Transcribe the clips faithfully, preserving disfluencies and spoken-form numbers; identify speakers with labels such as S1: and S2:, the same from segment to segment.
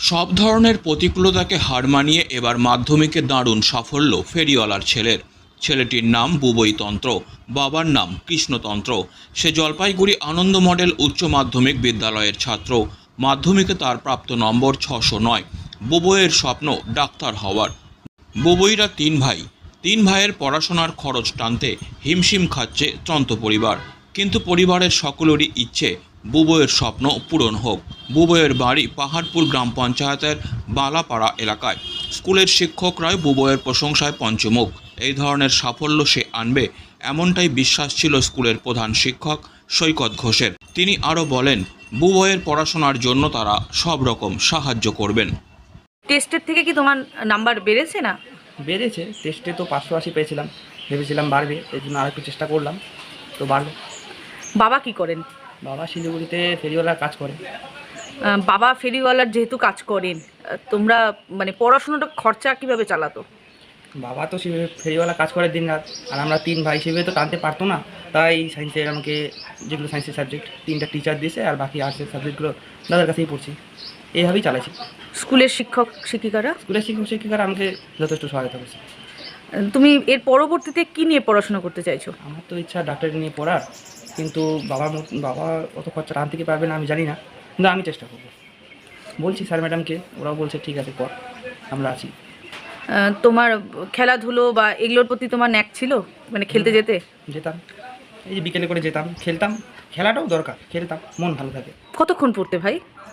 S1: সব ধরনের প্রতিকূলতাকে হার মানিয়ে এবার মাধ্যমিকে দারুণ সাফল্য ফেরিওয়ালার ছেলের। ছেলেটির নাম বুবই তন্ত্র, বাবার নাম কৃষ্ণতন্ত্র। সে জলপাইগুড়ি আনন্দ মডেল উচ্চ মাধ্যমিক বিদ্যালয়ের ছাত্র। মাধ্যমিকে তার প্রাপ্ত নম্বর ছশো নয়। বুবইয়ের স্বপ্ন ডাক্তার হওয়ার। বুবইরা তিন ভাই। তিন ভাইয়ের পড়াশোনার খরচ টানতে হিমশিম খাচ্ছে তন্ত্র পরিবার, কিন্তু পরিবারের সকলেরই ইচ্ছে বুবইয়ের স্বপ্ন পূরণ হোক। বুবইয়ের বাড়ি পাহাড়পুর গ্রাম পঞ্চায়েতের বালাপাড়া এলাকায়। স্কুলের শিক্ষকরাই বুবইয়ের প্রশংসায় পঞ্চমুখ। এই ধরনের সাফল্য সে আনবে এমনটাই বিশ্বাস ছিল স্কুলের প্রধান শিক্ষক সৈকত ঘোষের। তিনি আরও বলেন, বুবইয়ের পড়াশোনার জন্য তারা সব রকম সাহায্য করবেন।
S2: টেস্টের থেকে কি তোমার নাম্বার বেড়েছে না?
S3: বেড়েছে। টেস্টে তো পাঁচশো আশি পেয়েছিলাম, ভেবেছিলাম বাড়বে, এই জন্য আরেকটু চেষ্টা করলাম, তো বাড়লো।
S2: বাবা কি করেন?
S3: বাবা শিলিগুড়িতে ফেরিওয়ালার কাজ করে।
S2: আহ, বাবা ফেরিওয়ালার যেহেতু কাজ করেন, আহ, তোমরা মানে পড়াশোনাটা খরচা কিভাবে চালাতো?
S3: বাবা তো সেভাবে ফেরিওয়ালা কাজ করে দিন রাত, আর আমরা তিন ভাই সেভাবে তো টানতে পারতো না, তাই সায়েন্সের আমাকে যেগুলো সায়েন্সের সাবজেক্ট তিনটা টিচার দিয়েছে, আর বাকি আর্টসের সাবজেক্টগুলো দাদার কাছেই পড়ছি। এইভাবেই চালাইছি।
S2: স্কুলের শিক্ষক শিক্ষিকারা?
S3: স্কুলের শিক্ষক শিক্ষিকারা আমাকে যথেষ্ট সহায়তা করছে।
S2: আহ, তুমি এর পরবর্তীতে কি নিয়ে পড়াশোনা করতে চাইছো?
S3: আমার তো ইচ্ছা ডাক্তারি নিয়ে পড়ার, কিন্তু বাবার মত বাবা অত খরচা টান থেকে পারবে না আমি জানি না, কিন্তু আমি চেষ্টা করবো। বলছি স্যার ম্যাডামকে, ওরাও বলছে ঠিক আছে পর, আমরা আছি।
S2: আহ, তোমার খেলাধুলো বা এগুলোর প্রতি তোমার ন্যাক ছিল, মানে খেলতে যেতে?
S3: যেতাম, এই যে বিকেলে করে যেতাম, খেলতাম। খেলাটাও দরকার, খেলতাম, মন ভালো থাকে।
S2: কতক্ষণ পড়তে ভাই?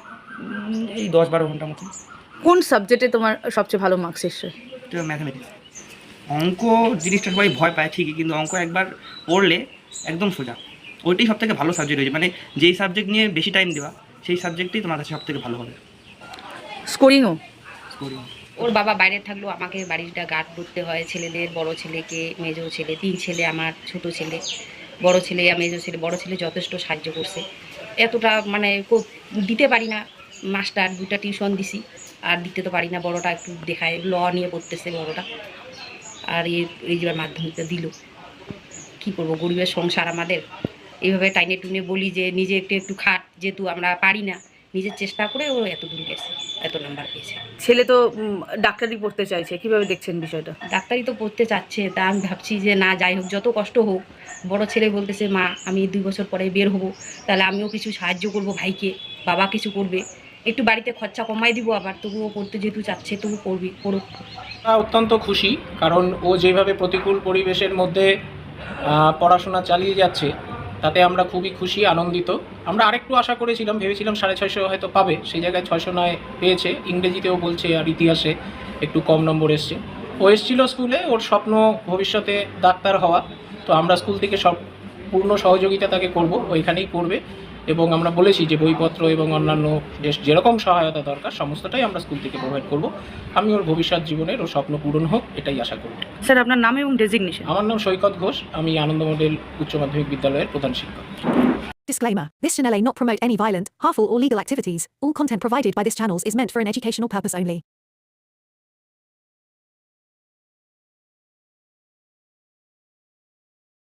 S3: উম, এই দশ বারো ঘন্টার মতো।
S2: কোন সাবজেক্টে তোমার সবচেয়ে ভালো মার্কস এসছে?
S3: তো ম্যাথামেটিক্স। অঙ্ক জিনিসটা সবাই ভয় পায় ঠিকই, কিন্তু অঙ্ক একবার পড়লে একদম সোজা। ওইটাই সব থেকে ভালো সাবজেক্ট হয়েছে, মানে যেই সাবজেক্ট নিয়ে বেশি টাইম দেওয়া সেই সাবজেক্টই তোমার কাছে সব থেকে ভালো হবে।
S2: স্কোরিংও?
S3: স্কোরিং।
S4: ওর বাবা বাইরে থাকলেও আমাকে বাড়িটা গার্ড করতে হয়, ছেলেদের, বড় ছেলেকে, মেজো ছেলে, তিন ছেলে, আমার ছোট ছেলে, বড় ছেলে আর মেজো ছেলে। বড় ছেলে যথেষ্ট সাহায্য করছে, এতটা মানে কো- দিতে পারি না। মাস্টার দুটা টিউশন দিছি, আর দিতে তো পারি না। বড়টা একটু দেখায়, ল নিয়ে পড়তেছে বড়টা, আর এই এই যে মাধ্যমিকটা দিল। কী করবো, গরিবের সংসার আমাদের। এইভাবে টাইনে টুনে বলি যে নিজে একটু একটু খাট, যেহেতু আমরা পারি না, নিজের চেষ্টা করে ও এত দূর গেছে, এত নাম্বার পেয়েছে।
S2: ছেলে তো উম, ডাক্তারি পড়তে চাইছে, কিভাবে দেখছেন বিষয়টা?
S4: ডাক্তারি তো পড়তে চাচ্ছে, তা আমি ভাবছি যে না, যাই হোক, যত কষ্ট হোক। বড় ছেলে বলতেছে, মা আমি দুই বছর পরে বের হব, তাহলে আমিও কিছু সাহায্য করব ভাইকে, বাবা কিছু করবে, একটু বাড়িতে খরচা কমাই দিব, আবার তবুও পড়তে যেহেতু চাচ্ছে তবু পড়বি, পড়ুক।
S5: আমরা অত্যন্ত খুশি, কারণ ও যেভাবে প্রতিকূল পরিবেশের মধ্যে আহ, পড়াশোনা চালিয়ে যাচ্ছে তাতে আমরা খুবই খুশি, আনন্দিত। আমরা আরেকটু আশা করেছিলাম, ভেবেছিলাম সাড়ে ছয়শো হয়তো পাবে, সেই জায়গায় ছয়শো নয় পেয়েছে। ইংরেজিতেও বলছে আর ইতিহাসে একটু কম নম্বর এসছে। ও এসেছিল স্কুলে, ওর স্বপ্ন ভবিষ্যতে ডাক্তার হওয়া, তো আমরা স্কুল থেকে সব পূর্ণ সহযোগিতা তাকে করব, ওইখানেই পড়বে। এবং আমরা বলেছি যে বইপত্র এবং অন্যান্য যে যেরকম সহায়তা দরকার সমস্তটাই আমরা স্কুল থেকে প্রোভাইড করব। আমি ওর ভবিষ্যৎ জীবনের ওর স্বপ্ন পূরণ হোক, এটাই আশা করব।
S2: স্যার আপনার নাম এবং ডেজিগনেশন?
S5: আমার নাম সৈকত ঘোষ, আমি আনন্দ মডেল উচ্চ মাধ্যমিক বিদ্যালয়ের প্রধান শিক্ষক।
S6: Disclaimer. This channel may not promote any violent, harmful or legal activities. All content provided by this channel is meant for an educational purpose only.